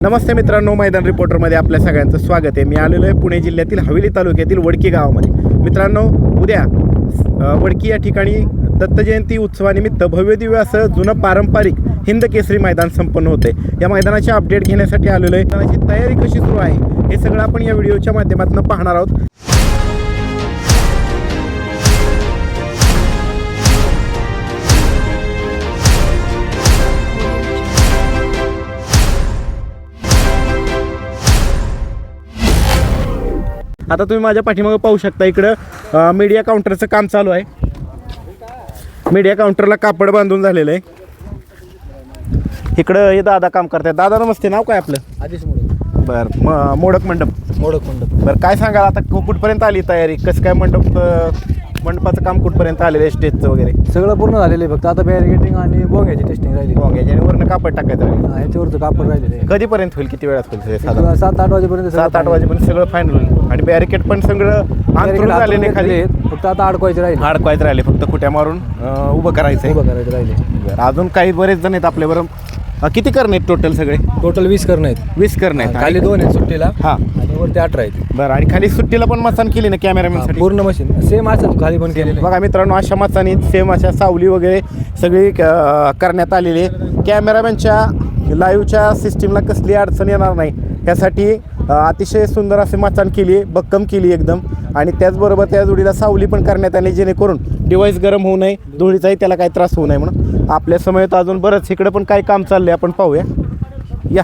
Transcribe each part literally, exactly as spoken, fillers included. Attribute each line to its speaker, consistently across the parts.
Speaker 1: नमस्ते मित्रांनो, मैदान रिपोर्टरमध्ये आपल्या सगळ्यांचं स्वागत आहे. मी आलेलो आहे पुणे जिल्ह्यातील हवेली तालुक्यातील वडकी गावामध्ये. मित्रांनो, उद्या वडकी या ठिकाणी दत्तजयंती उत्सवानिमित्त भव्य दिव्य असं जुनं पारंपरिक हिंद केसरी मैदान संपन्न होते. या मैदानाचे अपडेट घेण्यासाठी आलेलो आहे. मैदानाची तयारी कशी सुरू आहे हे सगळं आपण या व्हिडिओच्या माध्यमातून पाहणार आहोत. आता तुम्ही माझ्या पाठीमागे पाहू शकता, इकडं मीडिया काउंटरचं काम चालू आहे. मीडिया काउंटरला कापड बांधून झालेलं आहे. इकडं हे दादा काम करतात. दादा नमस्ते, नाव काय आपलं?
Speaker 2: आदेश मोडक.
Speaker 1: बरं, म मोडक मंडप
Speaker 2: मोडक मंडप.
Speaker 1: बरं, काय सांगाल आता कुठपर्यंत आली तयारी? कसं काय मंडप मंडपाचं काम कुठपर्यंत आलेलं आहे? स्टेजचं वगैरे
Speaker 2: सगळं पूर्ण झालेलं आहे, फक्त आता बॅरिगेटिंग आणि बोंग्याची टेस्टिंग राहिली.
Speaker 1: बोंग्याची आणि वरनं कापड टाकायचं राहील.
Speaker 2: ह्याच्यावरचं कापड राहिलेलं आहे.
Speaker 1: कधीपर्यंत होईल? किती वेळात होईल? साधारण
Speaker 2: सात आठ वाजेपर्यंत
Speaker 1: सात आठ वाजेपर्यंत सगळं फायनल होईल. आणि बॅरिकेड पण सगळं अंतरून झालेले खाली,
Speaker 2: फक्त आता अडकवायचे राहिले.
Speaker 1: अडकवायचं राहिले, फक्त खुट्या मारून उभं करायचं आहे.
Speaker 2: उभं करायचं राहिले.
Speaker 1: बरं, अजून काही बरेच जण आहेत आपल्याबरोबर. किती करणे आहेत टोटल सगळे?
Speaker 2: टोटल वीस करणं आहेत.
Speaker 1: वीस करणे आहेत.
Speaker 2: खाली दोन आहेत सुट्टीला,
Speaker 1: हां,
Speaker 2: आणि वरती अठरा आहेत.
Speaker 1: बरं. आणि खाली सुट्टीला पण मचान केली ना कॅमेरामॅनसाठी?
Speaker 2: पूर्ण मशीन सेम असं खाली पण केलेलं.
Speaker 1: बघा मित्रांनो, अशा मचानी सेम अशा सावली वगैरे सगळी क- करण्यात आलेली आहे. कॅमेरामॅनच्या लाईव्हच्या सिस्टीमला कसली अडचण येणार नाही यासाठी अतिशय सुंदर असे मचान केली आहे, भक्कम केली एकदम. आणि त्याचबरोबर त्या जोडीला सावली पण करण्यात आली, जेणेकरून डिव्हाइस गरम होऊ नये, धुळीचाही त्याला काही त्रास होऊ नये म्हणून. आपल्या समयेत अजून बरंच इकडं पण काही काम चाललंय, आपण पाहूया. या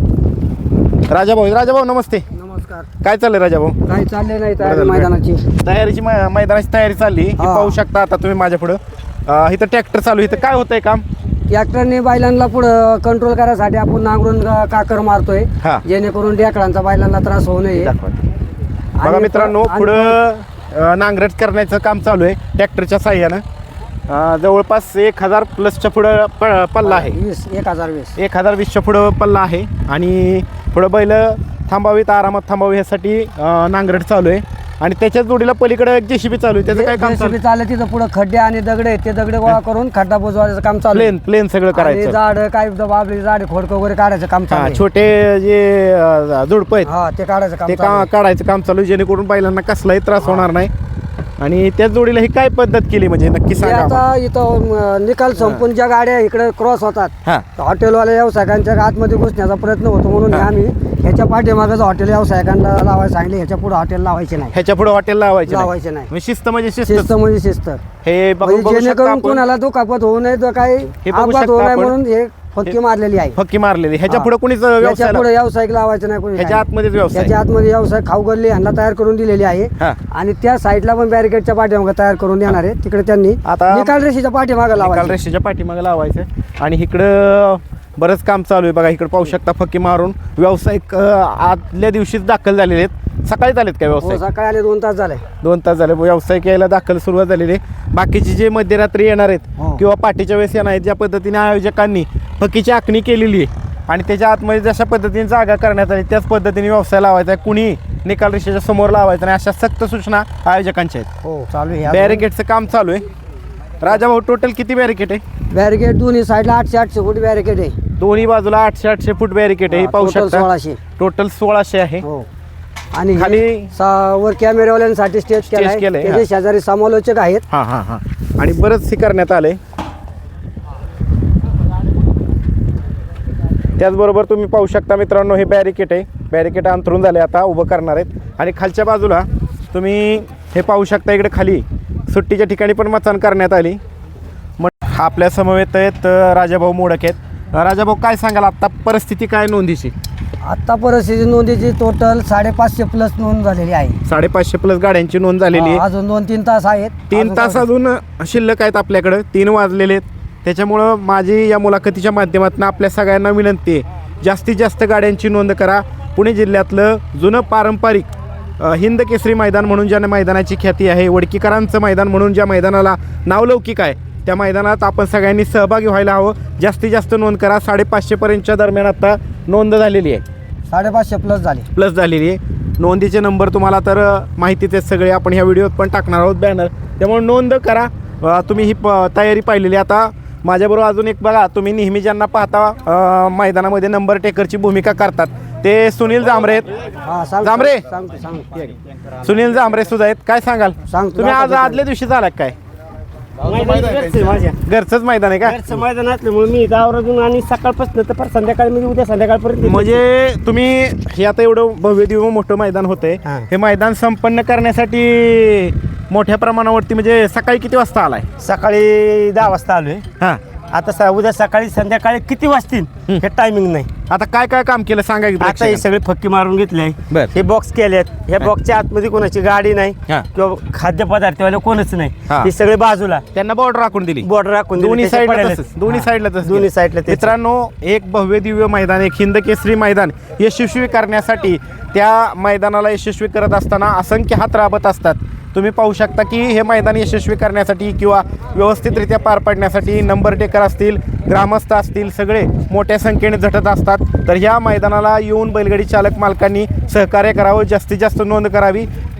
Speaker 1: राजाभाऊ. राजाभाऊ नमस्ते.
Speaker 3: नमस्कार.
Speaker 1: काय चाललंय राजाभाऊ?
Speaker 3: काही चालले नाही
Speaker 1: बरं
Speaker 3: तयारी
Speaker 1: झालं.
Speaker 3: मैदानाची.
Speaker 1: तयारीची मै- मैदानाची तयारी चालली. ही
Speaker 3: हा.
Speaker 1: पाहू शकता आता तुम्ही माझ्या पुढं. अं, इथं ट्रॅक्टर चालू आहे. इथं काय होतंय काम?
Speaker 3: ट्रॅक्टरने बैलांना पुढं कंट्रोल करायसाठी आपण नांगरून का- काकर मारतोय,
Speaker 1: हा.
Speaker 3: जेणेकरून ढेकळांचा बैलांना त्रास होऊ नये.
Speaker 1: दाखवा. बघा
Speaker 3: आणि
Speaker 1: मित्रांनो,
Speaker 3: आणि
Speaker 1: पुढं अं, नांगरट करण्याचं काम चालू आहे ट्रॅक्टरच्या साह्यानं. अं, जवळपास एक हजार प्लसच्या पुढं प- पल्ला आहे.
Speaker 3: वीस एक हजार वीस
Speaker 1: एक हजार वीसच्या पुढं पल्ला आहे. आणि पुढं बैल थांबावीत, आरामात थांबावी ह्यासाठी अं, नांगरट चालू आहे. आणि त्याच्याच जोडीला पलीकडे एक जेसीबी चालू आहे. त्याचं काय काम चालू?
Speaker 3: जेसीबी चालले तिथं पुढे खड्डे आणि दगडे आहेत, ते दगडे गोळा करून खड्डा बुजवायचं काम चालू आहे.
Speaker 1: प्लेन प्लेन सगळं
Speaker 3: आणि
Speaker 1: करायचं.
Speaker 3: झाड काय बाबली झाडे खोडकं वगैरे काढायचं काम चालू
Speaker 1: हा,
Speaker 3: आहे.
Speaker 1: छोटे जे झुडपं आहेत
Speaker 3: हा, ते काढायचं काम
Speaker 1: ते
Speaker 3: चालू
Speaker 1: का
Speaker 3: आहे.
Speaker 1: काढायचं काम चालू आहे, जेणेकरून बैलांना कसलाही त्रास होणार नाही. आणि त्याच जोडीला ही काय पद्धत केली म्हणजे नक्की
Speaker 3: ते
Speaker 1: सांगा.
Speaker 3: आता इथं अं, निकाल संपून ज्या गाड्या इकडे क्रॉस होतात,
Speaker 1: हा,
Speaker 3: हॉटेलवाल्या व्यावसायिकांच्या आतमध्ये घुसण्याचा प्रयत्न होतो, म्हणून
Speaker 1: हा.
Speaker 3: आम्ही ह्याच्या पाठीमागं हॉटेल व्यावसायिकांना लावायला सांगितले. ह्याच्या पुढे हॉटेल लावायचे नाही.
Speaker 1: ह्याच्या पुढे हॉटेल लावायचे नाही.
Speaker 3: लावायचे नाही.
Speaker 1: म्हणजे शिस्त म्हणजे शिस्त.
Speaker 3: शिस्त म्हणजे शिस्त.
Speaker 1: हे बघू
Speaker 3: म्हणजे
Speaker 1: बघू शकता
Speaker 3: जेणेकरून
Speaker 1: आपण.
Speaker 3: कोणाला दुखापत होऊ नये, तर काही
Speaker 1: हे बघू
Speaker 3: अपघात
Speaker 1: शकता
Speaker 3: होऊ नये
Speaker 1: आपण.
Speaker 3: म्हणून हे फक्की मारलेली आहे.
Speaker 1: फक्की मारलेली. ह्याच्या
Speaker 3: हा.
Speaker 1: पुढे कुणीच
Speaker 3: ह्याच्या
Speaker 1: व्यवसाय
Speaker 3: पुढे व्यावसायिक लावायचं नाही कोणी.
Speaker 1: ह्याच्या आतमध्येच व्यवसाय.
Speaker 3: ह्याच्या आतमध्ये व्यवसाय खाऊ गल्ली ह्यांना तयार करून दिलेली आहे.
Speaker 1: हा.
Speaker 3: आणि त्या साईडला पण बॅरिकेडच्या पाठीमागे तयार करून देणार आहे. तिकडे त्यांनी
Speaker 1: आता
Speaker 3: निकाल रेषेच्या पाठीमागे
Speaker 1: निकाल
Speaker 3: लावायचं.
Speaker 1: रेषेच्या पाठीमागे लावायचं. आणि इकडं बरंच काम चालू आहे. बघा इकडे पाहू शकता, फक्की मारून व्यावसायिक अं, आदल्या दिवशीच दाखल झालेले आहेत. सकाळीच आलेत काय
Speaker 3: हो,
Speaker 1: व्यावसायिक?
Speaker 3: सकाळी आले दोन तास झाले.
Speaker 1: दोन तास झाले व्यावसायिक यायला दाखल सुरुवात झालेली आहे. बाकीचे जे मध्यरात्री येणार आहेत
Speaker 3: हो.
Speaker 1: किंवा पाठीच्या वेळेस येणार आहेत, ज्या पद्धतीने आयोजकांनी फकीची आखणी केलेली आहे आणि त्याच्या आतमध्ये जशा पद्धतीने जागा करण्यात आली, त्याच पद्धतीने व्यवसाय लावायचा आहे. कुणी निकाल रेषेच्या समोर लावायचा नाही, अशा सक्त सूचना आयोजकांच्या आहेत.
Speaker 3: हो, चालू आहे.
Speaker 1: बॅरिकेडचं काम चालू आहे. राजाभाऊ, टोटल किती बॅरिकेड आहे?
Speaker 3: बॅरिकेड दोन्ही साईडला आठशे आठशे फूट बॅरिकेड आहे.
Speaker 1: दोन्ही बाजूला आठशे आठशे फूट बॅरिकेड आहे. हे पाहू
Speaker 3: टोटल
Speaker 1: शकता.
Speaker 3: सोळाशे.
Speaker 1: टोटल सोळाशे आहे.
Speaker 3: हो. आणि हे
Speaker 1: खाली-
Speaker 3: सा- वर कॅमेरावाल्यांसाठी स्टेज केलाय.
Speaker 1: केलंय,
Speaker 3: त्याचे शेजारी समालोचक आहेत.
Speaker 1: हां हां हां आणि बरंच हे करण्यात आलं आहे. त्याचबरोबर तुम्ही पाहू शकता मित्रांनो, हे बॅरिकेड आहे. बॅरिकेड अंतरून झाले, आता उभं करणार आहेत. आणि खालच्या बाजूला तुम्ही हे पाहू शकता, इकडे खाली सुट्टीच्या ठिकाणी पण मचाण करण्यात आली. मग आपल्या समवेत आहेत अं, राजाभाऊ मोडक आहेत. अं, राजाभाऊ, काय सांगाल आत्ता परिस्थिती काय नोंदीची?
Speaker 3: आता परिस्थिती नोंदीची टोटल साडेपाचशे प्लस नोंद झालेली आहे.
Speaker 1: साडेपाचशे प्लस गाड्यांची नोंद झालेली आहे.
Speaker 3: हा, अजून दोन तीन तास आहेत.
Speaker 1: तीन
Speaker 3: अजून
Speaker 1: तास
Speaker 3: काय-
Speaker 1: अजून शिल्लक आहेत आपल्याकडं. तीन वाजलेले आहेत. त्याच्यामुळं माझी या मुलाखतीच्या माध्यमातून आपल्या सगळ्यांना विनंती आहे, जास्तीत जास्त गाड्यांची नोंद करा. पुणे जिल्ह्यातलं जुनं पारंपरिक अ, हिंद केसरी मैदान म्हणून ज्या मैदानाची ख्याती आहे, वडकीकरांचं मैदान म्हणून ज्या मैदानाला नावलौकिक आहे, त्या मैदानात आपण सगळ्यांनी सहभागी व्हायला हवं. जास्तीत जास्त नोंद करा. साडेपाचशेपर्यंतच्या दरम्यान आता नोंद झालेली आहे.
Speaker 3: साडेपाचशे प्लस झाले.
Speaker 1: प्लस झालेली आहे. नोंदीचे नंबर तुम्हाला तर माहितीच आहेत सगळे, आपण ह्या व्हिडिओत पण टाकणार आहोत बॅनर. त्यामुळे नोंद करा. अ, तुम्ही ही प तयारी पाहिलेली. आता माझ्याबरोबर अजून एक बघा, तुम्ही नेहमी ज्यांना पाहता अ, मैदानामध्ये नंबर टेकरची भूमिका करतात ते सुनील जांभरे आहेत.
Speaker 3: हा सांग
Speaker 1: जांभरे
Speaker 3: सांगतो सांगतो
Speaker 1: सुनील जांभरे सुद्धा आहेत. काय सांगाल
Speaker 3: सांगतो.
Speaker 1: तुम्ही आज आदल्या दिवशी झाला काय?
Speaker 3: माझ्या
Speaker 1: घरचंच मैदान आहे का?
Speaker 3: घरचं मैदान असल्यामुळे मी गावावरून आणि सकाळपासून तर फार संध्याकाळी म्हणजे उद्या संध्याकाळपर्यंत
Speaker 1: म्हणजे तुम्ही हे आता एवढं भव्य दिव्य मोठं मैदान होतंय,
Speaker 3: हा.
Speaker 1: हे मैदान संपन्न करण्यासाठी मोठ्या प्रमाणावरती म्हणजे सकाळी किती वाजता आलाय?
Speaker 3: सकाळी दहा वाजता आलोय.
Speaker 1: हा,
Speaker 3: आता स- उद्या सकाळी संध्याकाळी किती वाजतील हे टायमिंग नाही.
Speaker 1: आता काय काय काम केलं सांगा की
Speaker 3: आता हे
Speaker 1: प्रेक्षकांना.
Speaker 3: सगळे फक्की मारून घेतले,
Speaker 1: बर.
Speaker 3: हे बॉक्स केलेत. ह्या बॉक्सच्या आतमध्ये कोणाची गाडी नाही
Speaker 1: हा.
Speaker 3: किंवा खाद्यपदार्थवाले कोणच नाही.
Speaker 1: हा.
Speaker 3: हे सगळे बाजूला
Speaker 1: त्यांना बॉर्डर राखून दिली
Speaker 3: बॉर्डर राखून दिली.
Speaker 1: दोन्ही
Speaker 3: त्याचे
Speaker 1: साईडला
Speaker 3: पडायला-
Speaker 1: तसंच दोन्ही
Speaker 3: हा.
Speaker 1: साईडला तसंच
Speaker 3: दोन्ही
Speaker 1: केलं.
Speaker 3: साईडला त्याचे.
Speaker 1: मित्रांनो, एक भव्य दिव्य मैदान, एक हिंद केसरी मैदान यशस्वी करण्यासाठी त्या मैदानाला यशस्वी करत असताना असंख्य हात राबत असतात. तुम्ही पाहू शकता की हे मैदान यशस्वी करण्यासाठी किंवा व्यवस्थितरित्या पार पाडण्यासाठी नंबर टेकर असतील, ग्रामस्थ असतील, सगळे मोठ्या संख्येने झटत असतात. तर ह्या मैदानाला येऊन बैलगाडी चालक मालकांनी सहकार्य करावं, जास्तीत जास्त नोंद करावी.